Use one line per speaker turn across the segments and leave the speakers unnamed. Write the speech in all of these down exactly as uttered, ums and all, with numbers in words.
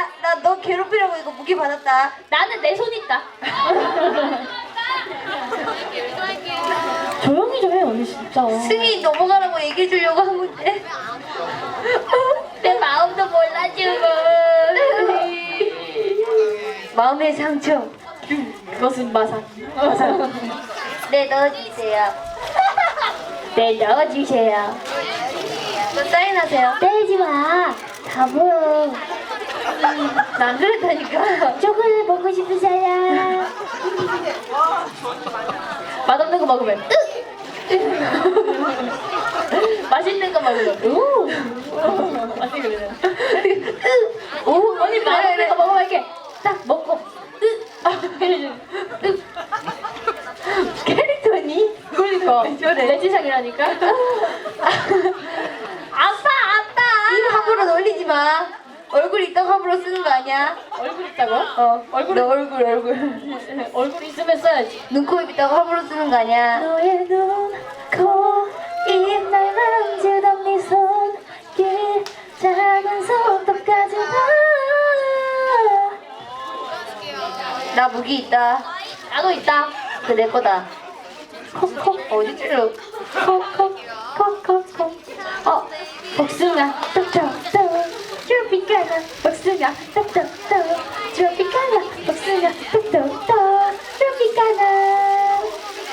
나 너 괴롭히려고 이거 무기 받았다.
나는 내 손 있다. 조용히 좀 해 언니 진짜.
승희 넘어가라고 얘기해 주려고 한 건데.
내 마음도 몰라주고.
마음의 상처.
그것은 마상.
네, 넣어주세요.
네 넣어주세요.
또 사인하세요.
때리지 마. 다 보여.
난 그랬다니까.
초콜릿 먹고 싶은 사람. 맛없는 거 먹으면 맛있는 거 먹으면 우. 맛있게 그래. 오, 언니 맛없는 거 먹으면 이렇게 딱 먹고
캐릭터니?
그러니까
저래.
내 지상이라니까. 아빠 아빠.
입 함부로 놀리지 마. 얼굴 있다고 함부로 쓰는 거 아니야?
얼굴 있다고?
어.
얼굴
너 얼굴 얼굴.
얼굴 있으면 써야지.
눈, 코, 입 있다고 함부로 쓰는 거 아니야?
너의 눈, 코, 입, 날 만지던 네 손길, 작은 손톱까지 다.
나 무기 있다.
나도 있다.
그 내 거다.
콕콕
어디 찔러?
콕콕 콕콕콕. 어, 복숭아 떡떡떡 트로피카나 복숭아 떡떡떡 트로피카나 복숭아 떡떡떡 트로피카나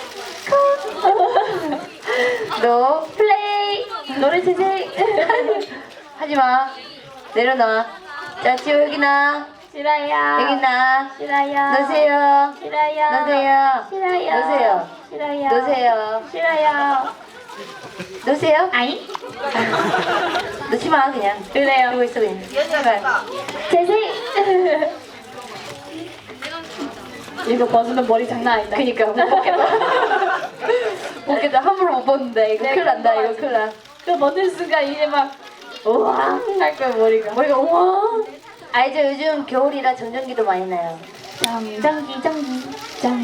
콕.
너
플레이 노래 재생.
하지 마. 내려놔. 자, 지호 여기 나.
싫어요.
여기 나.
싫어요.
넣으세요.
싫어요.
넣으세요.
싫어요.
넣으세요.
싫어요.
넣으세요.
싫어요.
넣으세요.
아이.
넣지 마 그냥.
그래요.
이러고 있어 그냥. 제발.
재생. 이거 벗으면 머리 장난 아니다.
그니까 못 먹겠다. 못 먹겠다. 함부로 못 벗는다. 이거
네,
큰일 난다.
그거
이거 큰일 나.
그 벗는 순간 이제 막 우와 할 거야 머리가.
머리가 우와. 알죠? 요즘 겨울이라 정전기도 많이 나요.
정전기 전기 전